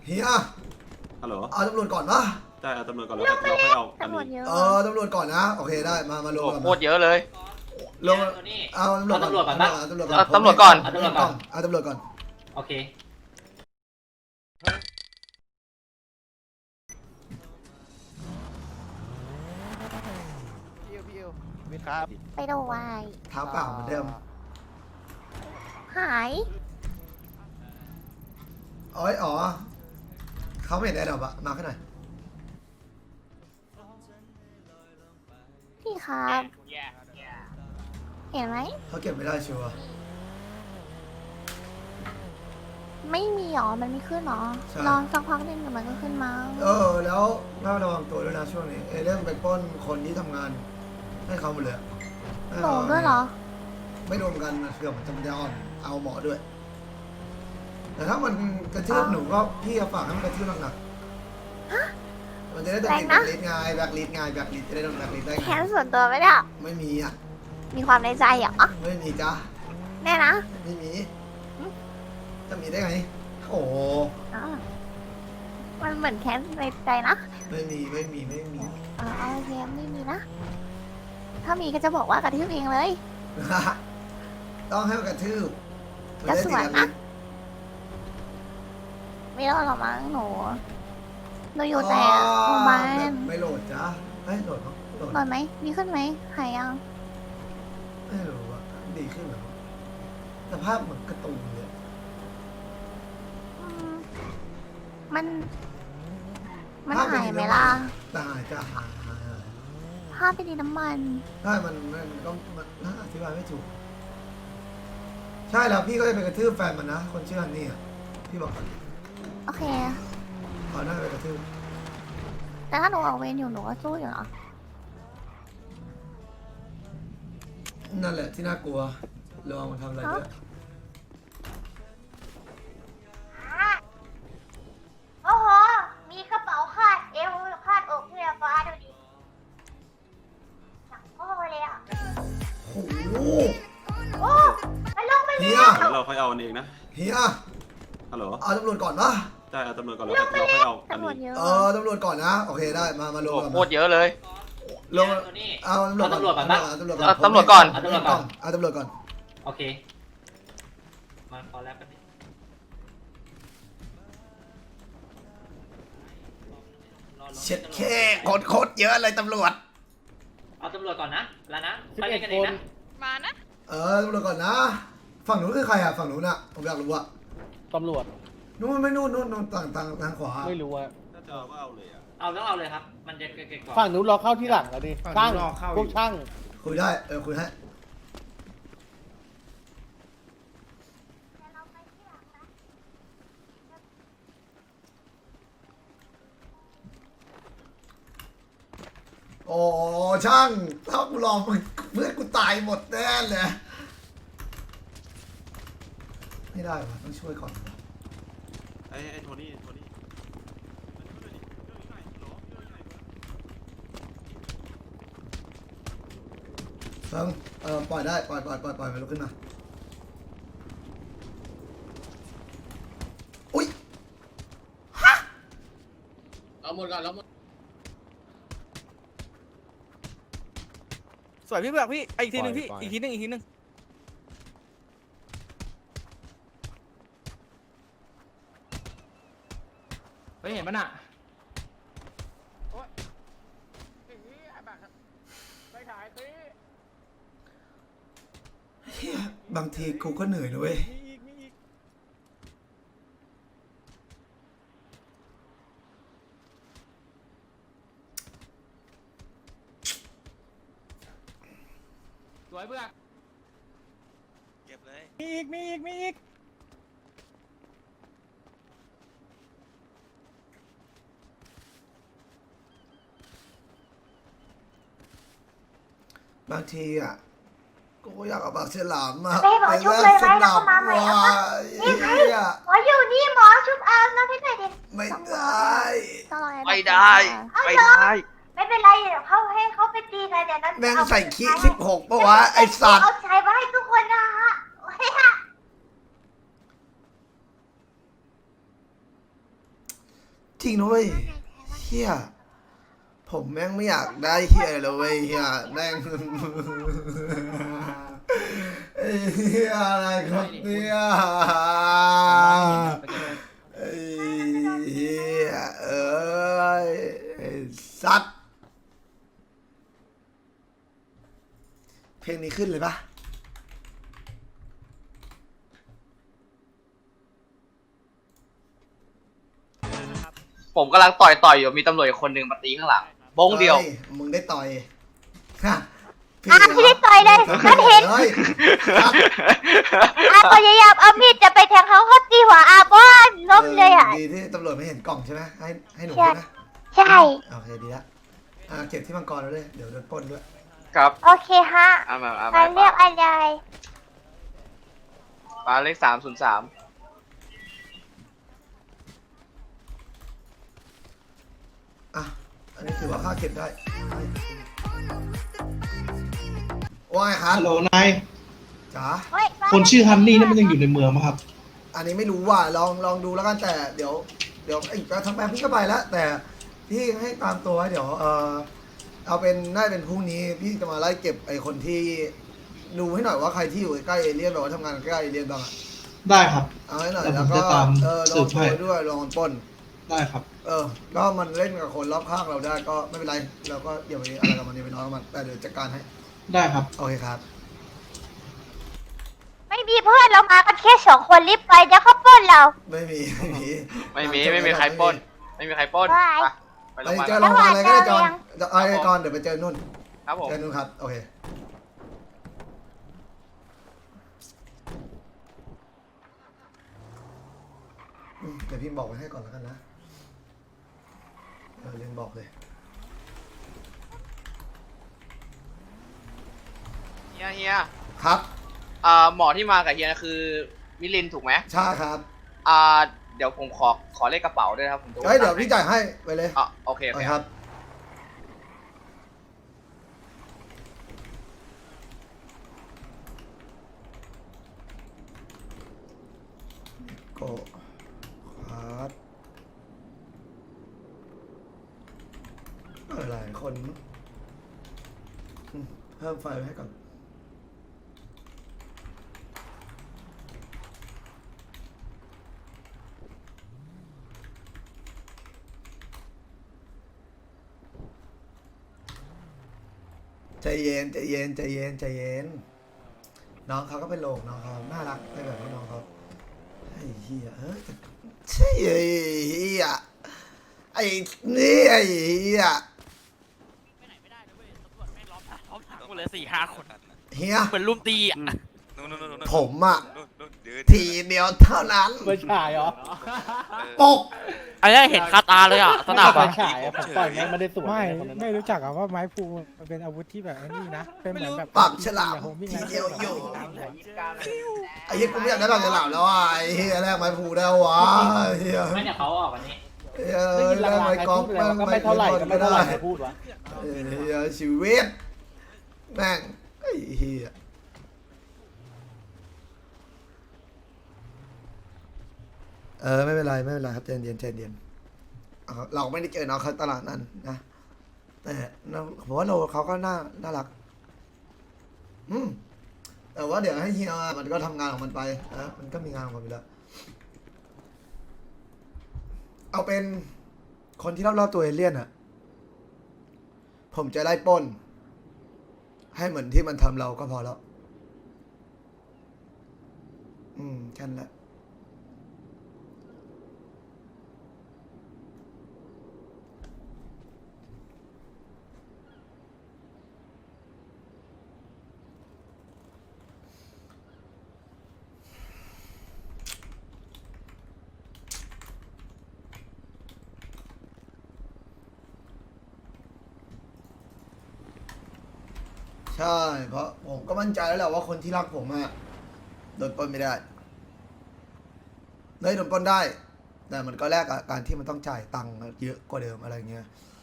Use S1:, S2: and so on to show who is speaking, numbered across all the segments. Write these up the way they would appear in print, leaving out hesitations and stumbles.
S1: เฮีย
S2: ฮัลโหล
S1: เอาตำรวจก่อนปะ
S2: ใช่เอาตำรวจก่อนแล้วเราค่อยเอาอัน
S3: ตำรวจ
S2: นี้
S3: เยอะ
S1: ตำรวจก่อนนะโอเคได้มาลง
S4: โคตรเยอะเลย
S1: ลงเอาตำรวจก่อนปะ
S4: ตำรวจก่อน
S1: เอาตำรวจก่อนเอาตำรวจก่อน
S5: โอเค
S6: พี่เวทครับ
S3: ไปดูวาย
S1: เท้าเปล่าเหมือนเดิม
S3: หาย
S1: อ๋อเขาไม่เห็นได้หรอปะมาขึ้นหน่อย
S3: พี่ครับเห็นไหม
S1: เขาเก็บไม่ได้ชัวร์
S3: ไม่มีหรอมันไม่ขึ้นหรอรอสักพักหนึงเดี๋ยวมันก็ขึ้นมา
S1: แล้วน่าระวังตัวด้วยนะช่วงนี้เรื่องไปปล้นคนที่ทำงานให้เขาหมดเลย
S3: โดนด้วยเหรอ
S1: ไม่รวมกันเกือบจะอ่อนเอาหมอด้วย แต่ถ้ามันกระทืบหนูก็พี่ฝากให้มันกระทืบหนักๆมันจะได้โดนแบล็คลิสต์ไงแบล็คลิสต์จะได้โดนแบล็คลิสต์ได้ไง
S3: แค้นส่วนตัวไหมเนี่ย
S1: ไม่มีอ่ะ
S3: มีความในใจเหรอ
S1: ไม่มีจ้า
S3: แน่นะ
S1: ไม่มีจะมีได้ไงโอ้
S3: อ๋อมันเหมือนแค้นในใจนะ
S1: ไม่มี
S3: โอเคไม่มีนะ ถ้ามีก็จะบอกว่ากระทืบเองเลย
S1: ต้องให้มันกระทืบ
S3: ก็สวยนะ ไม่รอดหรอกมั้งหนูอยู่แต่โรงพยาบาล
S1: ไม่โหลดจ้าไม่โหลดโหลด
S3: นอนไหมดีขึ้นไหมหายยัง
S1: ไม่รู้ว่าดีขึ้นหรอสภาพเหมือนกระตุนเลย
S3: อืมมันหายไหมล่ะ
S1: ตายจะหาย
S3: ภาพไปดีน้ำมัน
S1: ใช่มันก็มันอธิบายไม่ถูก ใช่แล้วพี่ก็จะไปกระทืบแฟนมันนะ คนชื่อฮันนี่อ่ะ พี่บอก
S3: โอเค
S1: เขาน่าจะไปกระทืบ
S3: แต่ถ้าหนูออกเวรอยู่หนูก็สู้อยู่เหรอ
S1: นั่นแหละที่น่ากลัวลองมันทำอะไรด้วย
S3: โอ้โห มีกระเป๋าคาดเอวคาดอกเสื้อฟ้าดูดิหนักโอ้เลยอ่ะ
S1: โอ้โห
S3: โอ้มันลงไป
S1: เฮี
S3: แล้
S1: ย
S3: ว
S2: เราค่อยเอาอันเองนะ
S1: เฮีย
S2: ฮัลโหล
S1: เอาตำรวจก่อนปะ
S2: ใช่เอาตำรวจก่อนแล้วเราค่อยเอาอัน
S3: ตำรวจ
S2: นี้
S3: เยอะ
S1: ตำรวจก่อนนะโอเคได้มาลง
S4: โคตรเยอะเลย
S1: ลงเอาตำรวจก่อน
S4: ตำรวจก่อน
S1: เอาตำรวจก่อน
S5: โอเคมาพอแล้วกัน
S1: เช็ดแค่โคตรเยอะเลยตำรวจ
S5: เอาตำรวจก่อนนะแล้วนะไปเล่นกันเองนะ
S7: มานะ
S1: ตำรวจก่อนนะฝั่งนู้นคือใครอ่ะฝั่งนู้นอ่ะผมอยากรู้อ่ะ
S6: ตำรวจ
S1: นู้นไม่นู่นทางขวา
S6: ไม่รู้อะ
S2: ถ้าจะเอาก็เอาเลยอ่ะ
S5: เอาต้องเอาเลยครับ มันจะเก่งกว่า
S6: ฝั่งนู้นรอเข้าที่หลังแล้วดิช่างพวกช่าง
S1: คุยได้คุยให้โอ้ช่างถ้ากูรอมึงเพื่อนกูตายหมดแน่เลยไม่ได้ว่ะต้องช่วยก่อน
S2: ไอ้โทนี่
S1: เฟิงปล่อยได้ปล่อยไปลุกขึ้นมาอุ้ย
S6: เอาหมดก่อนแล้วหมดสวยพี่เบือกพี่อีกทีหนึ่งพี่อีกทีหนึ่งเฮ้ยเห็นมันอ่ะ
S1: เฮียบางทีกูก็เหนื่อยนะเว้ย
S6: สวยเบือก
S2: เก็บเลย
S6: มีอีก
S1: บางทีอ่ะกูอยากเอาปากฉลามมา
S3: ไปหมอชุบเลยไหมแล้วก็มาใหม่
S1: ว่ะ
S3: อ่ะ
S1: เฮีย
S3: หมออยู่นี่หมอชุบเอาน้ำให้หน่อยดิ
S1: ไม่ได้
S4: ไม่ได้ไม่ได้
S3: ไม่เป็นไรเดี๋ยวเขาให้เขาไปตีกันเดี๋ยวนั้น
S1: แม่งใส่ขี้16ปะวะไอสัตว์
S3: เอาใช้มาให้ทุกคนนะฮะโอ้ยฮะ
S1: จริงนะเว้ยเฮียผมแม่งไม่อยากได้เฮียเลยเว้ยเฮียแม่งไอ้เฮียอะไรครับเนี่ยไอ้เฮียเอ้ยไอ้สัตว์เพลงนี้ขึ้นเลยปะ
S4: ผมกำลังต่อยอยู่มีตำรวจอีกคนหนึ่งมาตีข้างหลังบงเดียว
S1: ฮ้มึงได้ต่อยฮะ
S3: พี่ได้ต่อยเลยฉันเห็น
S1: ฮ้ยครับ
S3: พยายามเอามีดจะไปแทงเขาตีหัวบ้านล้มเลยอ่ะ
S1: ดีที่ตำรวจไม่เห็นกล่องใช่ไหมให้หนู
S3: ใช่
S1: ใช่ไหม
S3: ใช่
S1: โอเคดีละเก็บที่มังกรแล้วด้วยเดี๋ยวโดนปล้นด้วย
S4: ครับ
S3: โอเคฮะ
S4: เอามา
S3: มาเรียกอะไร
S4: ปลาเลข303
S1: อ่ะอันนี้ถือว่าค่าเก็บได้ว่าไงครับ
S7: ฮัลโหลนาย
S1: จ๋า
S7: คนชื่อฮันนี่นั่นมันยังอยู่ในเมืองไหมครับ
S1: อันนี้ไม่รู้ว่าลองดูแล้วกันแต่เดี๋ยวไอ้ทำแปลพี่ก็ไปแล้วแต่พี่ให้ตามตัวไว้เดี๋ยวเอาเป็นน่าจะเป็นพรุ่งนี้พี่จะมาไล่เก็บไอ้คนที่ดูให้หน่อยว่าใครที่อยู่ใกล้เอเลี่ยนหรือว่าทำงานใกล้เอเลี่ยนบ้างอะ
S7: ได้ครับ
S1: เอาให้หน่อย
S7: แต่
S1: แล้ว
S7: ผม
S1: ก็
S7: จะตาม
S1: ล
S7: สื
S1: อง
S7: บ
S1: โช
S7: ให้
S1: ว์ด้วยลองปล้น
S7: ได้ครับ
S1: ก็มันเล่นกับคนรอบข้างเราได้ก็ไม่เป็นไรเราก็อย่าไปอะไรกับมันอย่าไปน้อยกับมันแต่เดี๋ยวจัดการให้
S7: ได้ครับ
S1: โอเคครับ
S3: ไม่มีเพื่อนเรามากันแค่2 คนรีบไปเดี๋ยวเขาปล้นเรา
S1: ไม่มี
S4: ไม่มีใครปล้น ไม่มีใครปล้น
S3: ได้
S4: ไป
S1: ไป
S4: ลงมา
S1: เจอโรงพยาบาลอะไรก็ได้จอนไอ้ก่อนเดี๋ยวไปเจอนุ่น
S4: ครับผม
S1: เจอนุ่นครับโอเคเดี๋ยวพี่บอกไว้ให้ก่อนแล้วกันนะเรียนบอกเลย
S4: เฮีย
S1: ครับ
S4: หมอที่มากับเฮียคือมิลินถูกไหม
S1: ใช่ครับ
S4: เดี๋ยวผมขอเลขกระเป๋าด้วยครับผมจะ
S1: เฮ้ยเดี๋ยวพี่จ่ายให้ไปเลย
S4: โอเค
S1: โอเคครับโกครับหลายคนมั้งเพิ่มไฟไว้ให้ก่อนใจเย็นใจเย็นใจเย็นใจเย็นน้องเขาก็เป็นโลกน้องเขาน่ารักในแบบที่น้องเขาไอ้เหี้ยใช่ไอ้เหี้ยไอ้นี่ไอ้เหี้ย
S8: ไปไหนไม่ได้เลยเว้ยตำรวจแม่งล้อมถังหมดเลย4-5 คน
S1: เฮีย
S8: เหมือนลุมตีอ่ะ
S1: ผมอะทีเดียวเท่านั้น
S6: ไม่ใช่เหรอ
S1: ปก
S8: อันนี้เห็นคาตาเลยอ่ะสนามอ่ะ
S6: ฉายผมต่อยแม่งไม่ได้สวน
S9: ไม่รู้จักอะว่าไม้พลูมันเป็นอาวุธที่แบบไอ้นี่นะ เป็นเหมือนแบบ
S1: ปากฉลามทีเดียวอยู่ไอ้เหี้ยกูไม่อยากได้ปากฉลามแล้วอ่ะไอ้เหี้ยแรกไม้ผูได้วะไอ้เหี้ย
S5: ไม่เนี่ยเขาออกวันนี้
S6: ได้ยิน
S1: แรก
S6: ลาง
S1: ไม้
S6: ๆ
S1: กอล์ฟ
S6: พูดอะไรก็ไม่เท่าไหร่ก็ไม่เท่าไหร่ใครพูดวะ
S1: เหี้ยชีวิตแม่งไอ้เหี้ยไม่เป็นไรไม่เป็นไรครับใจเย็นใจเย็นเราไม่ได้เจอน้องเขาตลาดนั้นนะแต่ผมว่าเขาก็น่ารักแต่ว่าเดี๋ยวให้เฮียมันก็ทำงานของมันไปนะมันก็มีงานของมันอยู่แล้วเอาเป็นคนที่รอบๆตัวเอเลี่ยนอะผมจะไล่ปล้นให้เหมือนที่มันทำเราก็พอแล้วแค่นั้นแหละใช่เพราะผมก็มั่นใจแล้วแหละว่าคนที่รักผมอะโดนปล้นไม่ได้เลยโดนปล้นได้ แต่มันก็แลกกับการที่มันต้องจ่ายตังค์เยอะกว่าเดิมอะไรเงี้ย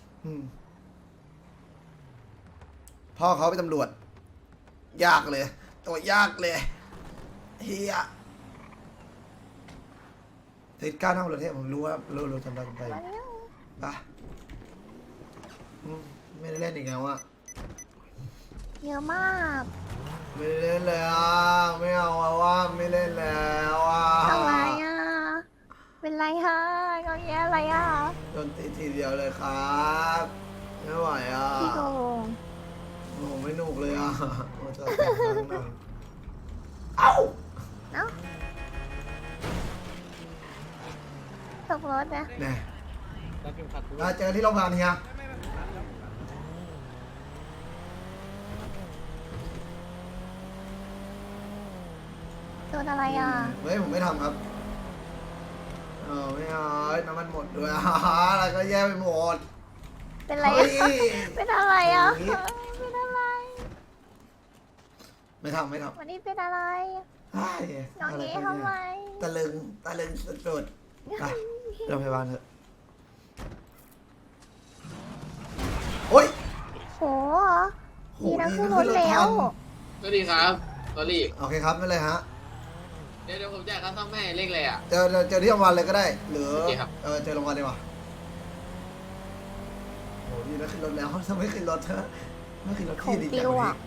S1: พ่อเขาเป็นตำรวจยากเลยตัวยากเลยเฮียเหตุการณ์ทั้งประเทศผมรู้ว่าเราจำได้ไปไม่ได้เล่นอีกแล้วอะ
S3: เยอะมาก
S1: ไม่ได้เล่นเลยอ่ะไม่เอาอะว่าไม่เล่นแล้วอ่ะ
S3: อะไรอ่ะ เป็นไรฮะงอแงอะไรอ่ะ
S1: โดนตีทีเดียวเลยครับไม่ไหวอ่ะ
S3: พี่โกง
S1: โอ้โหไม่หนุกเลยอ่ะโอ้จะแต่งครั้งหนึ่งเอ้า
S3: เอ้าตกรถนะ
S1: แน่
S6: แล้วเข็มขัดกู
S1: มาเจอที่โรงพยาบาลเฮีย
S3: โดนอะไรอ่ะ
S1: เฮ้ยผมไม่ทำครับไม่เอาน้ำมันหมดด้วยอะไรก็แย่ไปหมด
S3: เป็นไร
S1: เฮ้
S3: อ่ะ
S1: ย
S3: เป็นอะไรอ่ะ
S1: อย่างนี้
S3: เป็นอะไร
S1: ไม่ทำไม่ทำ
S3: วันนี้เป็นอะไร
S1: เฮ้ย
S3: น้อง
S1: อะไร
S3: เอ๋
S1: กัน
S3: ทำไม
S1: เนี่ยตะลึงสุดๆไปโรงพยาบาลเถอะโอ๊ย
S3: โห
S1: โห
S3: มีนัก
S1: ดี
S3: ขึ้น
S1: นะ
S3: รถแล้ว
S4: สวัสดีครับสวัสดี
S1: โอเคครับไม่เลยฮะ
S4: เดี๋ยวผมจ่ายค่าซ่อมให้เลขเลยอ่ะ
S1: เจอที่โรงพยาบาลเลยก็ได้ หรือ
S4: โอเคครับ
S1: เจอโรงพยาบาลดีกว่าโหดีนะขึ้นรถแล้วถ้าไม่ขึ้นรถเธอะไม่ขึ้นรถ
S3: ของ
S1: พี่ดีใจ
S3: ปิ
S1: ก
S3: ว
S1: ว่า
S3: อ่ะ
S1: นี้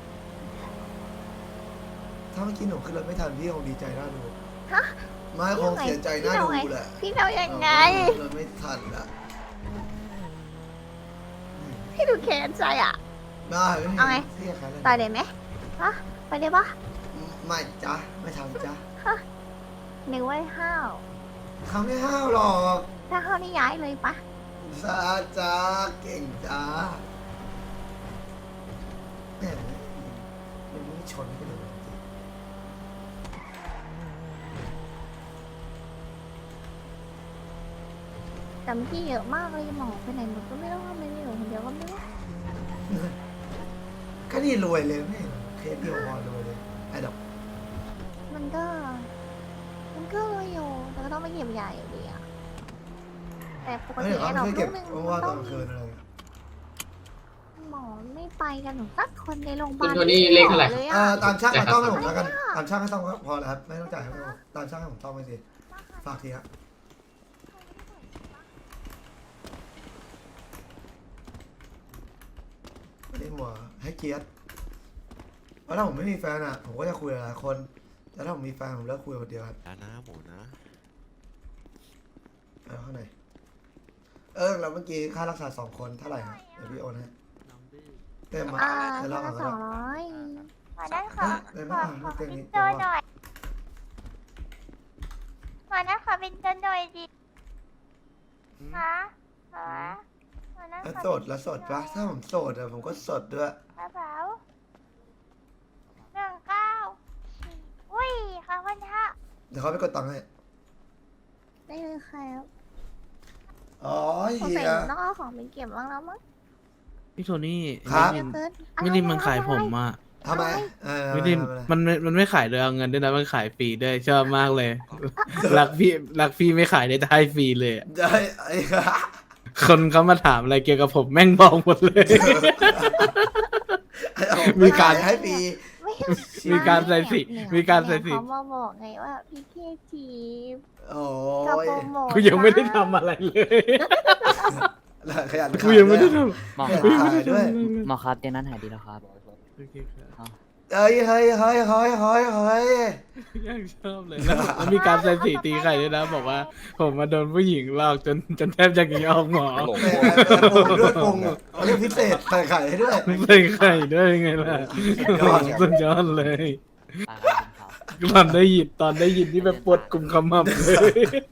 S1: ถ้าเมื่อกี้หนูขึ้นรถไม่ทันพี่คงดีใจน่าดู
S3: ฮะ
S1: ไม่คงเสียใจน่าดูแหละ
S3: พี่เรายังไง
S1: ขึ้นรถไม่ทันละ
S3: พี่ดูแค้นใจอ่ะ
S1: ไม่ไม่
S3: เอาไง
S1: เสียใครเลย
S3: ต่อยได้ไหมฮะไปได้ปะ
S1: ไม่จ้ะไม่ทำจ้ะ
S3: นึกว่าห้าว
S1: เขาไม่ห้าวหรอก
S3: ถ้าห้าวนี่ย้ายเลยปะ
S1: จ้าเก่งจ้าแหมมันไม่ชนกันเลย
S3: จำพี่เยอะมากเลยหมอไปไหนหมดก็ไม่รู้ทำไมไม่อยู่คนเดียวก็ไม่รู้
S1: ก็นี่รวยเลยไม่เคสเดียวพอรวยเลยไอ้ดอก
S3: มันก็เลยอยู่แต่ก็ต้องไปเก็บใหญ่อยู่ดีอะแต่ปก
S1: ไม่
S3: ติ
S1: เดี๋ยว
S3: ไอ้
S1: เขา
S3: ดอก
S1: ไม่เก็บ
S3: ลูกหนึง
S1: ว่างๆต
S3: ต้
S1: อ
S3: อน ง
S1: กลางคืนอะไร
S3: หมอไม่ไปกันหนูสักคนในโรงพยาบาล
S4: คุณโทนี่เลขเท่าไหร่
S3: เลยอะ
S1: ตามช่างมาต้องให้ผมแล้วกันตามช่างให้ต้องก็พอแล้วครับไม่ต้องจ่ายให้ผมตามช่างให้ผมต้องไปสิฝากทีครับไม่ได้หมัวให้เกียรติเพราะถ้าผมไม่มีแฟนอ่ะผมก็จะคุยกับหลายคนแต่ถ้าผมมีแฟนผมเลิกคุยคนเดียวครับ
S2: นะหมูนะ
S1: เอาข้างในแล้วเมื่อกี้ค่ารักษา2 คนเท่าไหร่ฮะเดี๋ยวพี่โอนให้เต็มมา เดี๋ยวรอก่อนก็
S3: สอ
S1: ได้
S3: งร้อย
S10: ขอนั้นขอ
S1: เลย
S10: ข
S1: ไม่
S10: อ
S1: อ่าน
S10: ขอ
S1: เต็ม
S10: เป็น
S1: นี้
S10: โจหน่อยขอนั้นขอเป็นโจหน่อยดิฮะขอนั้น
S1: แล้ว
S10: ขอ
S1: โสดแล้วโสดปะถ้าผมโสดอะผมก็สดด้วย
S10: กระเป๋า19อุ้ยขอบคุณค่ะ
S1: เดี๋ยวเขาไปกดตังค์ให้
S3: ได้เลยครับ
S1: อ๋อ
S3: สง
S1: เฮี
S3: สัย
S1: ย
S3: หนูต้องเอาของไปเก็บบ้างแล้วมั้ง
S9: พี่โทนี่
S1: ครับ
S3: เยอะเกิน
S9: ไม่ได้มันขายผมอ่ะ
S1: ทำไม
S9: ไม่ได้มันไม่ขายโดยเอาเงินด้วยนะมันขายฟรีด้วยชอบมากเลย รักพี่ไม่ขายได้ฟรีเลยอะ
S1: ได้ไอ้
S9: คนเขามาถามอะไรเกี่ยวกับผมแม่งบอกหมดเลย มีการ
S1: ให้ปี
S3: ไม่
S9: มีการใส่สี
S3: เนี่ย
S9: มีการใส่สี
S3: เขามาบอกไงว่าพี่เคทีฟ
S1: โอ้
S3: จะ
S1: ย
S3: โปรโมท
S9: กูยังไม่ได้ทำอะไรเลย
S1: ขยัน
S9: กูยังไม่ได้ท
S11: หมอ
S1: ข
S11: ค
S1: ยัน
S11: รับ
S1: ขายด้วย
S11: หมอครับเตียงนั้นหายดีแล้วครับ
S1: เฮ้ย
S9: ยังชอบเลยแล้วมีการใส่สีตีไข่ด้วยนะบอกว่า ผมมาโดนผู้หญิงหลอกจนแทบจะหนีออกหมอ
S1: แหมปรุงด้วยปรุงเขาเรียกพิเศษใส่ไข่ให้ด้วย
S9: ใส่ไข่ด้วยไงล่ะ สุดยอดเลย
S11: อ่าครับครับ
S9: ตอนได้ยินที่แบบปวดกลุ่มขมับเลย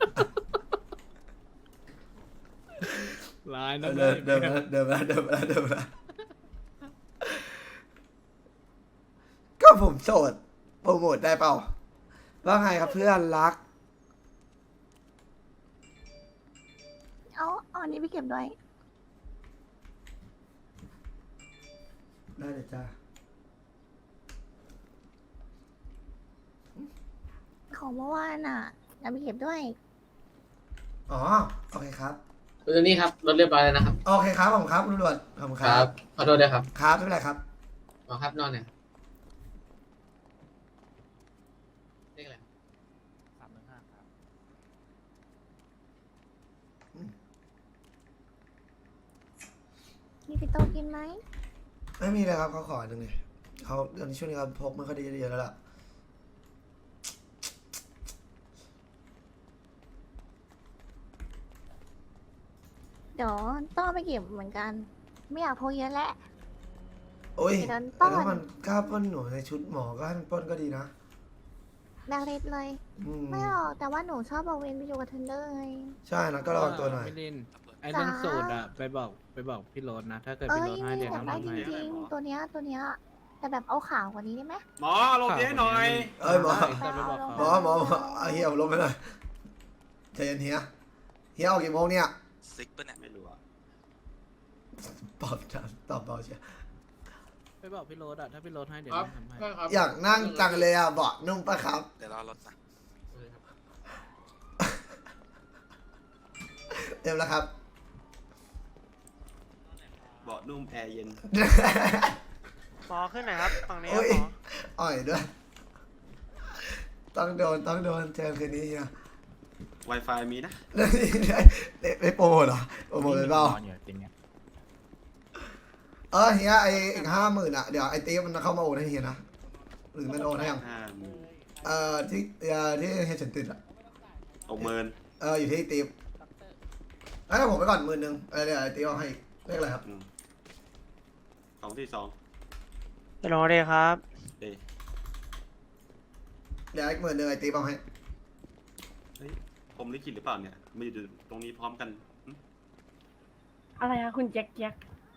S9: ร้ายนะ
S1: เดิมนะก็ผมโสดโปรโมทได้เปล่าว่าไงครับเพื่อนรัก
S3: เอาอันนี้ไปเก็บด้วย
S1: ได้เลยจ้า
S3: ของเมื่อวานอ่ะเอาไปเก็บด้วย
S1: อ๋อโอเคครับ
S4: คุณโทนี่ครับรถเรียบร้อยแล้วนะครับ
S1: โอเคครับผมครับตำรวจผมค
S4: ค
S1: รั
S4: รับ บขอโทษด้วยครับ
S1: ครับไม่เป็นไรครับ
S4: หมอครับนอนเนี่ยเลขอะไร
S9: 315ครับ
S10: มีปิโตกินไหม
S1: ไม่มีเลยครับเขาขอหนึ่งเลยเขาตอนนี้ช่วงนี้เขาพกไม่ค่อยได้เยอะแล้วล่ะ
S10: เดี๋ยวต้องไปเก็บเหมือนกัน ไม่อยากพกเยอะแหละ
S1: โอ้ย
S10: เดี๋ยวโดนปล้
S1: แต่
S10: น
S1: ถ้ามันกล้าปล้นหนูในชุดหมอก็ให้มันปล้นก็ดีนะ
S10: แบล็คลิสต์เลย
S1: อืม
S10: ไม่หรอกแต่ว่าหนูชอบเอาเวนไปอยู่กับเทนเดอร์ไง
S1: ใช่นะก็ระวังตัวหน่อย
S9: มิลินไอ้เรื่องสูตรอะไปบอกพี่โรสนะ ถ้าเกิด
S10: เอ้
S9: พี่
S10: ย
S9: โรสให้
S10: ไม่
S9: เดี๋ยว
S10: อยาก
S9: น้อง
S10: ได้
S9: ทำ
S10: จ
S9: ให้
S10: ริงๆตัวเนี้ยแต่แบบเอาขาวกว่านี้ได้ไหม
S2: หมอลงเตี้ยหน่อย
S1: เอ้ยหมอ
S9: จะไปบอก
S1: หมอ
S9: เขา
S1: หมอเอาเฮียเอาลงไปหน่อยใจเย็นเฮียเฮียออกกี่โมงเนี่ย
S2: ซิกปะเนี่ยไม่รู้อ่ะ
S1: ตอบเบาเชียว
S9: ไปบอกพี่โรสอะถ้าพี่โรสให้เดี๋ยวน้องทำให้
S1: อยากนั่งจังเลยอ่ะเบาะนุ่มปะครับ
S2: เดี๋ยวรอรถนะ
S1: เต็มแล้วครับ
S2: เบาะนุ่มแอร์เย็น
S8: หมอขึ้นหน่อยครับฝั่งนี้
S1: โอ้ย
S8: หมอ
S1: อ่อยด้วยต้องโดนเจอคืนนี้เฮีย
S2: Wi-Fi มีนะ
S1: ไม่โปรโมทเหรอโปรโมทเลยเปล่าเฮียไออีก50,000อ่ะเดี๋ยวไอตีมันเข้ามาโอนให้เฮียนะหรือมันโอนให้ยัง ที่เฮียฉันติดอ่ะ
S2: 60,000
S1: อยู่ที่ตีมแล้วผมไปก่อน10,000เดี๋ยวไอตีเอาให้เลขอะไรครับ
S2: 242
S8: ฮัลโหลเลยครับ
S2: เอ้ย
S1: เดี๋ยวอีก10,000ไอตีเอาให้
S2: เฮ้ยผมลิขิตหรือเปล่าเนี่ยมาอยู่ตรงนี้พร้อมกันหึ
S3: อะไรคะคุณแจ็คแจ็ค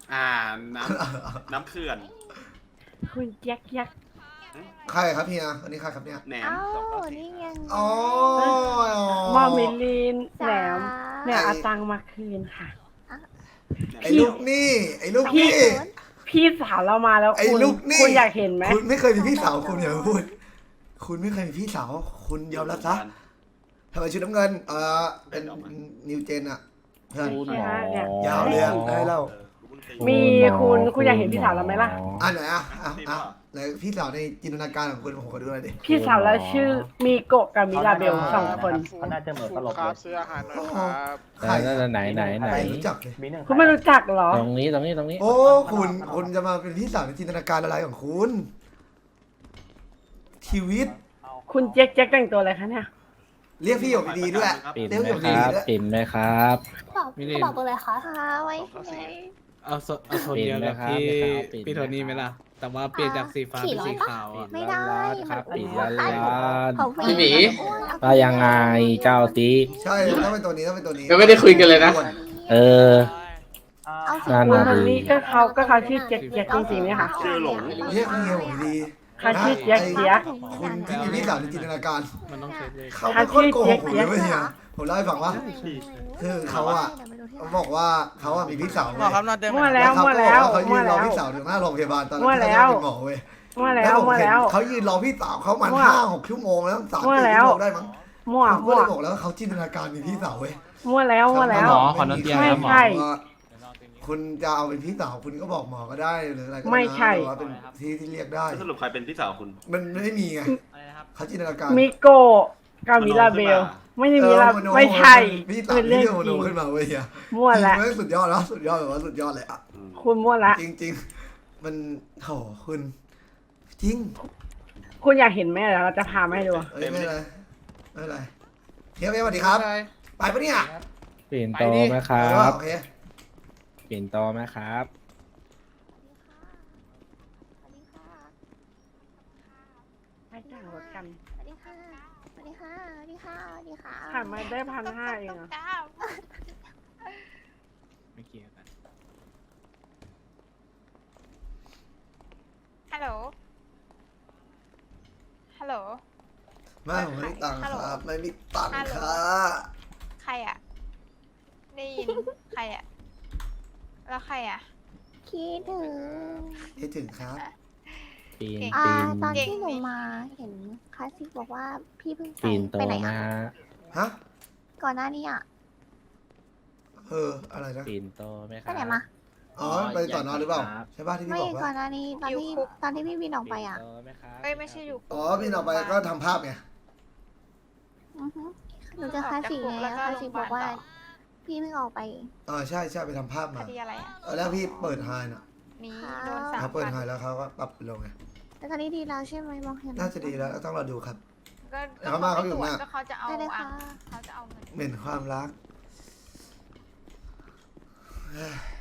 S2: น้ำเขื่อน
S3: คุณแจ็คแจ็ค
S1: ใครครับเฮียอันนี้ใครครับเนี่ย
S2: แหนม
S10: อ้าวนี่ยัง
S1: อ๋อ
S3: มอมิลินแหน
S10: จ้าม
S3: เนี่ยเอาตังค์มาคืนค่ะ
S1: ไอ้ลูกนี่ไอ้ลูกนี่
S3: พี่สาวเรามาแล้ว
S1: ไอ้
S3: คุณ
S1: ลูกนี่
S3: คุณอยากเห็นไหม
S1: คุณไม่เคยมีพี่สาวคุณอย่ามาพูด คุณไม่เคยมีพี่สาวคุณยอมรับซะทำไมชุดน้ำเงินเป็นนิวเจนอะเพื่อน
S3: เนี่ยฮะเนี่ย
S1: ยาวเลยอะได้เล่า
S3: มีคุณอยากเห็นพี่สาวเราไหมล่ะ
S1: ไหนไหนพี่สาวในจินตนาการของคุณผมขอดูหน่อยดิ
S3: พี่สาวเราชื่อมีโกะกับมิลาเบล2 คน
S6: เขาน่าจะเหมือนตลกเลย
S8: ซื้ออาหารหน่อยครับ
S1: ใคร
S6: ไหน
S1: ไม่รู้จักเลย
S3: คุณไม่รู้จักเหรอ
S6: ตรงนี้
S1: โอ้คุณจะมาเป็นพี่สาวในจินตนาการอะไรของคุณชีวิต
S3: คุณแจ็คแจ็คแต่งตัวอะไรคะเนี่ย
S1: เรียกพี่หยกดีๆด้วย
S6: ปิ่น
S1: เรียก
S6: ไหม
S1: พี่หยก
S6: ค
S1: ดี
S6: รับ
S1: ๆด้วย
S6: ปิ่นไหมครับ
S9: มิลิน
S10: บอกเลยค่ะไว้ไว้
S9: เอาโทนเดียวกับพี่
S6: ปิ่นไหมครับ
S9: พี่โทนี่ไหมล่ะ แต่ว่าเปลี่ยนจากสีฟ้าเป็นสีขาวอะ
S10: ไม่ได้
S6: ครับปิ่น
S10: มั
S6: ล้าน
S10: ของ
S4: พี่หมี
S6: ว่ายังไงเจ้าตี
S1: ใช่ต้องเป็นตัวนี้
S4: ยังไม่ได้คุยกันเลยนะ
S6: เออ
S10: เอาสี
S6: นั่น
S3: คุณ
S6: น่ะ
S3: คนนี้ก็เขาชื่อแจ็คแจ็คจริงๆไหมคะ
S2: ชื่อหลง
S1: เรียกพี่หยกดี
S3: เขาชื่อแจ็คแจ็ค
S1: คุณที่มีพี่สาวในจินตนาการ
S9: มันต้องเช็คเลย
S1: เขาเป็นคนโกหกผมเลยเว้ยเนี่ยผมเล่าให้ฟังว่าคือเขาบอกว่าเขามีพี่สาว
S8: หมอครับนอนเต็ม
S3: มั่วแล้ว
S1: เขา
S3: มั่ว
S1: ก็
S3: แล้ว
S1: บอกว่าเขายื
S3: มั่วน
S1: รอ
S3: แล้ว
S1: พี่สาวถึงหน้าโรงพยาบาลตอนนั้น
S3: มั่ว
S1: ที่
S3: แล้
S1: เขา
S3: ว
S1: เป็นหมอเว้ย
S3: มั่วแล้ว
S1: ผม
S3: มั่ว
S1: เห็น
S3: แล้ว
S1: เขายืนรอพี่สาวเขามัน
S3: มั่ว
S1: 5-6 ชั่วโมงแล้ว3-4
S3: มั่ว
S1: ชั่ว
S3: แล้ว
S1: โมงได้มั้ง
S3: มั่ว
S1: ผมก็
S3: มั่ว
S1: เลยบอกแล้วว่าเขาจินตนาการมีพี่สาวเว้ย
S3: มั่วแล้วมั่วแล้ว
S4: หมอขอโน้ตเตียง
S3: ไม่
S4: ครับหมอ
S3: ใช่
S1: คุณจะเอาเป็นพี่สาวคุณก็บอกหมอก็ได้หรืออะไรก็ได้นะ
S3: ไม่ใช่
S1: หรือว่าเป็นที่เรียกได้
S2: สรุปใครเป็นพี่สาวคุณ
S1: มันไม่มีไงเขาจินตนาการ
S3: มิโกะกับมิลาเบล ไม่ใช่มิลาไม่ใช่
S1: พี่สาว
S3: เป็นเรื่อง
S1: ที่โม
S3: จ
S1: โน
S3: ริง
S1: ขึ้นมาเว้ยเฮีย
S3: มั่วแล้ว
S1: จริงๆสุดยอดแล้วสุดยอดแบบว่าสุดยอดเลยอ่ะ
S3: คุณมั่วละ
S1: จริงๆ มันโหคุณจริง
S3: คุณอยากเห็นไหมเดี๋ยวเราจะพามาให้ดู
S1: เอ้ยไม่เป็นไรไม่เป็นไรเฮียสวัสดีครับ ไปปะเนี่ย
S6: ปิ่นโตไหมครั
S1: ไปว่า
S6: บ
S1: โอเค
S6: ปิ่นโตไหมครับ
S3: ให้จ้างรถกัน
S10: สวัสดีค่ะสวัสดีค่ะสวัสดีค่ะสวัสดีค่ะ
S3: ผ่านมาได้1,500เองอะ
S9: ไม่เกี่ยวกัน
S10: ฮัลโหลฮัลโหล
S1: ไม่ผมไม่มีตังค์ครับ ไม่มีตังค์ครับ
S10: ใครอ่ะ ได้ยิน ใครอ่ะ แล้วใครอ่ะ คิดถึง
S1: คิดถึงครับ
S6: ปิ่น
S10: ตอนที่หนูมาเห็นคลาสสิกบอกว่าพี่เพิ่ง
S6: ปิ่นโต
S10: ไปไหน
S6: นะ
S10: อ่ะ
S1: ฮะ
S10: ก่อนหน้านี้อ่ะ
S1: อะไรนะ
S6: ปิ่นโตไหมค
S10: ไป
S6: รับ
S10: ไหนมา
S1: อ๋อ ไปต่อนอนหรือเปล่า ใช่ป่ะที่พี่
S10: ไม่
S1: บอก
S10: ก่อ
S1: ว่า
S10: นหน้านี้ตอนที่พี่วินออกไปอ่ะ
S6: ปิ่นโตไหมครับ
S10: ไม่ใช่อยู่
S1: อ๋อพี่ออกไปก็ทำภาพไง
S10: อือฮึหนูเจะคลาสสิกไงคลาสสิกบอกว่า พพี่เพิ่งออกไป
S1: ใช่ใช่ไปทำภาพ
S10: ค
S1: มา
S10: ดีอะไรอ่ะ
S1: แล้วพี่เปิดไฮน่ะ
S10: นี่โดนสาม
S1: เขาเปิด
S10: วัน
S1: ไฮแล้วเขาก็ปรับลงไง
S10: แต่ตอนนี้ดีแล้วใช่ไหมมองเห็น
S1: น่าจะดีแล้วต้องรอดูครับ
S10: ก็
S1: เขามาเขาอยู่
S10: ตรวจ
S1: หน้า
S10: ก็เขาจะเอาเขาจะเอาเงิน
S1: เหม็นความรัก